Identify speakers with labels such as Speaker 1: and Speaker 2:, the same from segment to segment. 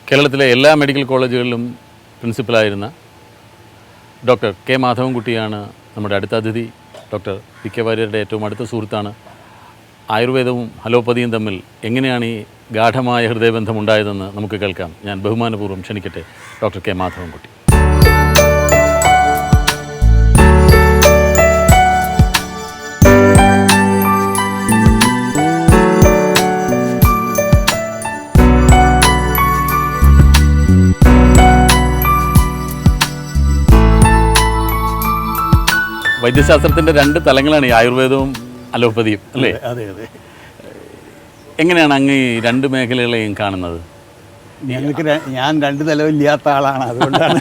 Speaker 1: കേരളത്തിലെ എല്ലാ മെഡിക്കൽ കോളേജുകളിലും പ്രിൻസിപ്പലായിരുന്ന ഡോക്ടർ കെ മാധവൻകുട്ടിയാണ് നമ്മുടെ അടുത്ത അതിഥി. ഡോക്ടർ പി കെ വാര്യരുടെ ഏറ്റവും അടുത്ത സുഹൃത്താണ്. ആയുർവേദവും അലോപ്പതിയും തമ്മിൽ എങ്ങനെയാണ് ഈ ഗാഠമായ ഹൃദയബന്ധം ഉണ്ടായതെന്ന് നമുക്ക് കേൾക്കാം. ഞാൻ ബഹുമാനപൂർവ്വം ക്ഷണിക്കട്ടെ ഡോക്ടർ കെ മാധവൻകുട്ടി. വൈദ്യശാസ്ത്രത്തിൻ്റെ രണ്ട് തലങ്ങളാണ് ഈ ആയുർവേദവും അലോപ്പതിയും, അല്ലേ?
Speaker 2: അതെ അതെ.
Speaker 1: എങ്ങനെയാണ് അങ്ങ് ഈ രണ്ട് മേഖലകളെയും കാണുന്നത്?
Speaker 2: ഞാൻ രണ്ട് തലമില്ലാത്ത ആളാണ്, അതുകൊണ്ടാണ്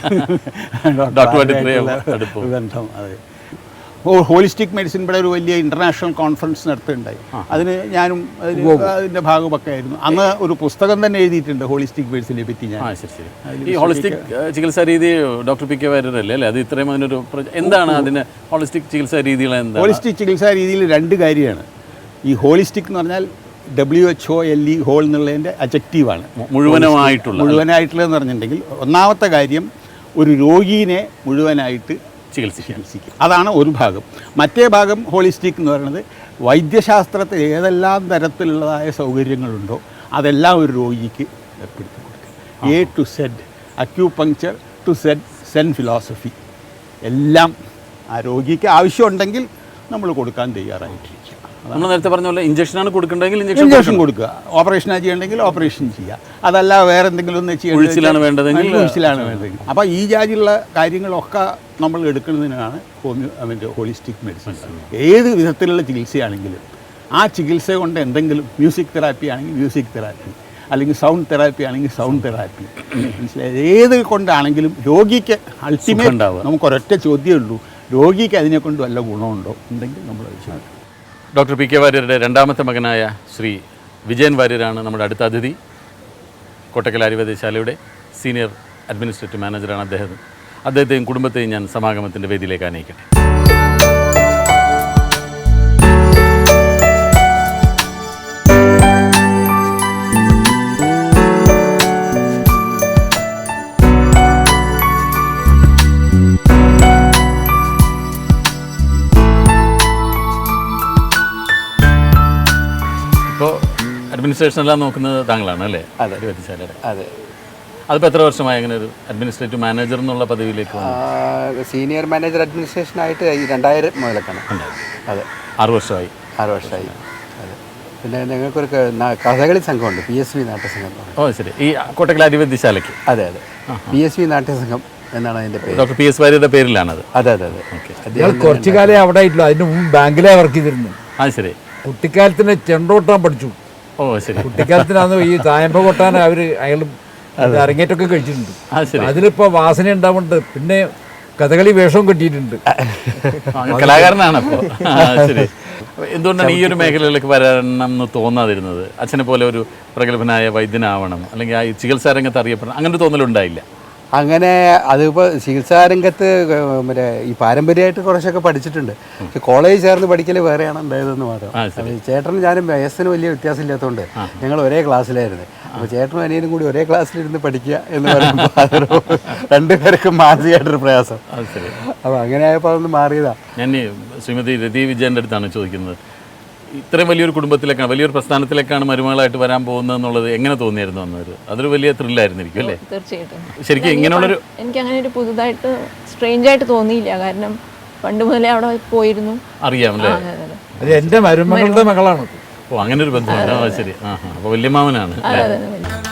Speaker 1: ഡോക്ടറുമായിട്ട്
Speaker 2: ബന്ധം. അതെ. ഹോളിസ്റ്റിക് മെഡിസിൻ ഇവിടെ ഒരു വലിയ ഇൻ്റർനാഷണൽ കോൺഫറൻസ് നടത്തുകയുണ്ടായി. അതിന് ഞാനും അതിൻ്റെ ഭാഗമൊക്കെ ആയിരുന്നു. അന്ന് ഒരു പുസ്തകം തന്നെ എഴുതിയിട്ടുണ്ട് ഹോളിസ്റ്റിക് മെഡിസിനെ പറ്റി. ഞാൻ
Speaker 1: ഈ ഹോളിസ്റ്റിക് ചികിത്സാ രീതി ഡോക്ടർ പി കെ വാര്യരല്ലേ അല്ലേ? അത് ഇത്രയും അതിനൊരു എന്താണ് അതിന് ഹോളിസ്റ്റിക് ചികിത്സാ രീതികൾ? എന്താ
Speaker 2: ഹോളിസ്റ്റിക് ചികിത്സാ രീതിയിൽ രണ്ട് കാര്യമാണ്. ഈ ഹോളിസ്റ്റിക് എന്ന് പറഞ്ഞാൽ WHOLE ഹോൾ എന്നുള്ളതിൻ്റെ അജക്റ്റീവാണ്. മുഴുവനായിട്ടുള്ളതെന്ന് പറഞ്ഞിട്ടുണ്ടെങ്കിൽ ഒന്നാമത്തെ കാര്യം ഒരു രോഗീനെ മുഴുവനായിട്ട് ചികിത്സിക്കും. അതാണ് ഒരു ഭാഗം. മറ്റേ ഭാഗം ഹോളിസ്റ്റിക് എന്ന് പറയുന്നത് വൈദ്യശാസ്ത്രത്തിൽ ഏതെല്ലാം തരത്തിലുള്ളതായ സൗകര്യങ്ങളുണ്ടോ അതെല്ലാം ഒരു രോഗിക്ക് ഏർപ്പെടുത്തി കൊടുക്കുക. A to Z, acupuncture to Zen philosophy, എല്ലാം ആ രോഗിക്ക് ആവശ്യമുണ്ടെങ്കിൽ നമ്മൾ കൊടുക്കാൻ തയ്യാറായിട്ടിരിക്കുക.
Speaker 1: നമ്മൾ നേരത്തെ പറഞ്ഞ പോലെ ഇഞ്ചക്ഷനാണ് കൊടുക്കേണ്ടതെങ്കിൽ
Speaker 2: ഇഞ്ചക്ഷൻ കൊടുക്കുക, ഓപ്പറേഷനാണ് ചെയ്യേണ്ടെങ്കിൽ ഓപ്പറേഷൻ ചെയ്യുക, അതല്ല വേറെ എന്തെങ്കിലും ഒന്ന്
Speaker 1: ചെയ്യലാണ് വേണ്ടതെങ്കിൽ.
Speaker 2: അപ്പോൾ ഈ ജാതിയുള്ള കാര്യങ്ങളൊക്കെ നമ്മൾ എടുക്കുന്നതിനാണ് ഹോളിസ്റ്റിക് മെഡിസിൻ. ഏത് വിധത്തിലുള്ള ചികിത്സയാണെങ്കിലും ആ ചികിത്സ കൊണ്ട് എന്തെങ്കിലും മ്യൂസിക് തെറാപ്പി ആണെങ്കിൽ മ്യൂസിക് തെറാപ്പി, അല്ലെങ്കിൽ സൗണ്ട് തെറാപ്പി ആണെങ്കിൽ സൗണ്ട് തെറാപ്പി, മനസ്സിലായത്? ഏത് കൊണ്ടാണെങ്കിലും രോഗിക്ക് അൾട്ടിമേറ്റ് നമുക്കൊരൊറ്റ ചോദ്യമേ ഉള്ളൂ, രോഗിക്ക് അതിനെക്കൊണ്ട് വല്ല ഗുണമുണ്ടോ ഉണ്ടെങ്കിൽ നമ്മൾ അത് ചെയ്യും.
Speaker 1: ഡോക്ടർ പി കെ വാര്യരുടെ രണ്ടാമത്തെ മകനായ ശ്രീ വിജയൻ വാര്യരാണ് നമ്മുടെ അടുത്ത അതിഥി. കോട്ടക്കൽ ആയുർവേദശാലയുടെ സീനിയർ അഡ്മിനിസ്ട്രേറ്റീവ് മാനേജറാണ് അദ്ദേഹത്തെയും കുടുംബത്തെയും ഞാൻ സമാഗമത്തിൻ്റെ വേദിയിലേക്ക് ആനയിക്കട്ടെ. ഇപ്പോൾ അഡ്മിനിസ്ട്രേഷനെല്ലാം നോക്കുന്നത് താങ്കളാണ് അല്ലേ? ആയുർവേദശാലയുടെ.
Speaker 3: അതെ.
Speaker 1: അതിപ്പോൾ എത്ര വർഷമായി അങ്ങനെ ഒരു അഡ്മിനിസ്ട്രേറ്റീവ് മാനേജർ എന്നുള്ള പദവിയിലേക്ക്?
Speaker 3: സീനിയർ മാനേജർ അഡ്മിനിസ്ട്രേഷനായിട്ട് 2000 മുതലൊക്കെയാണ്. അതെ,
Speaker 1: 6 വർഷമായി.
Speaker 3: 6 വർഷമായി. അതെ. പിന്നെ ഞങ്ങൾക്കൊരു കഥകളി സംഘമുണ്ട്, PSV നാട്യസംഘം.
Speaker 1: ഓ ശരി. ഈ കോട്ടക്കൽ ആയുർവേദശാലയ്ക്ക്?
Speaker 3: അതെ അതെ, PSV നാട്യസംഘം എന്നാണ് അതിൻ്റെ പേര്.
Speaker 1: ഡോക്ടർ പി എസ് വാര്യരുടെ പേരിലാണത്?
Speaker 3: അതെ അതെ അതെ.
Speaker 4: ഓക്കെ. കുറച്ചു കാലം അവിടെ ആയിട്ടില്ല, അതിന് മുമ്പ് ബാങ്കിലെ വർക്ക് ചെയ്തിരുന്നു.
Speaker 1: ആ ശരി.
Speaker 4: കുട്ടിക്കാലത്തിന് ചെണ്ടോട്ടാൻ പഠിച്ചു.
Speaker 1: ഓ ശരി.
Speaker 4: കുട്ടിക്കാലത്തിനാണ് ഈ തായമ്പ കൊട്ടാൻ അയാളും അരങ്ങേറ്റമൊക്കെ കഴിച്ചിട്ടുണ്ട്. അതിലിപ്പോ വാസന ഉണ്ടാവുന്നുണ്ട്. പിന്നെ കഥകളി വേഷവും കെട്ടിയിട്ടുണ്ട്.
Speaker 1: കലാകാരനാണ് അപ്പോൾ. ശരി. എന്തുകൊണ്ടാണ് ഈ ഒരു മേഖലയിലേക്ക് വരണം എന്ന് തോന്നാതിരുന്നത്? അച്ഛനെ പോലെ ഒരു പ്രഗത്ഭനായ വൈദ്യനാവണം, അല്ലെങ്കിൽ ആ ചികിത്സാ രംഗത്ത് അറിയപ്പെടണം, അങ്ങനെ ഒരു തോന്നലുണ്ടായില്ല?
Speaker 3: അങ്ങനെ അതിപ്പോൾ ചികിത്സാരംഗത്ത് മറ്റേ ഈ പാരമ്പര്യമായിട്ട് കുറച്ചൊക്കെ പഠിച്ചിട്ടുണ്ട്. പക്ഷെ കോളേജിൽ ചേർന്ന് പഠിക്കൽ വേറെയാണ് ഉണ്ടായതെന്ന് മാത്രം. ചേട്ടനും ഞാനും വയസ്സിന് വലിയ വ്യത്യാസമില്ലാത്തതുകൊണ്ട് ഞങ്ങൾ ഒരേ ക്ലാസ്സിലായിരുന്നു. അപ്പോൾ ചേട്ടനും അനിയനും കൂടി ഒരേ ക്ലാസ്സിലിരുന്ന് പഠിക്കുക എന്ന് പറയുമ്പോൾ അതൊരു രണ്ടുപേർക്കും മാനസികമായിട്ടൊരു പ്രയാസം. അപ്പോൾ അങ്ങനെ ആയപ്പോൾ അതൊന്ന് മാറിയതാണ്.
Speaker 1: ഞാൻ ശ്രീമതി രതി വിജയൻ്റെ അടുത്താണ് ചോദിക്കുന്നത്. ഇത്രയും വലിയൊരു കുടുംബത്തിലേക്കാണ്, വലിയൊരു പ്രസ്ഥാനത്തിലേക്കാണ് മരുമകളായിട്ട് വരാൻ പോകുന്നത് എന്നുള്ളത് എങ്ങനെ തോന്നിയായിരുന്നു അന്നൊരു? അതൊരു വലിയ ത്രില്ലായിരുന്നിരിക്കും അല്ലേ?
Speaker 5: തീർച്ചയായിട്ടും.
Speaker 1: ശരിക്കും ഇങ്ങനെയുള്ളൊരു
Speaker 5: എനിക്ക് അങ്ങനെ ഒരു പുതുതായിട്ട് സ്ട്രേഞ്ച് ആയിട്ട് തോന്നിയില്ല. കാരണം പണ്ട് മുതലേ അവിടെ പോയിരുന്നു,
Speaker 1: അറിയാമല്ലേ?
Speaker 4: അത് എൻ്റെ മരുമകളുടെ മകളാണ്.
Speaker 1: ഓ അങ്ങനെ ഒരു ബന്ധമുണ്ട്. ശരി. അപ്പോൾ വല്യമാമനാണ്.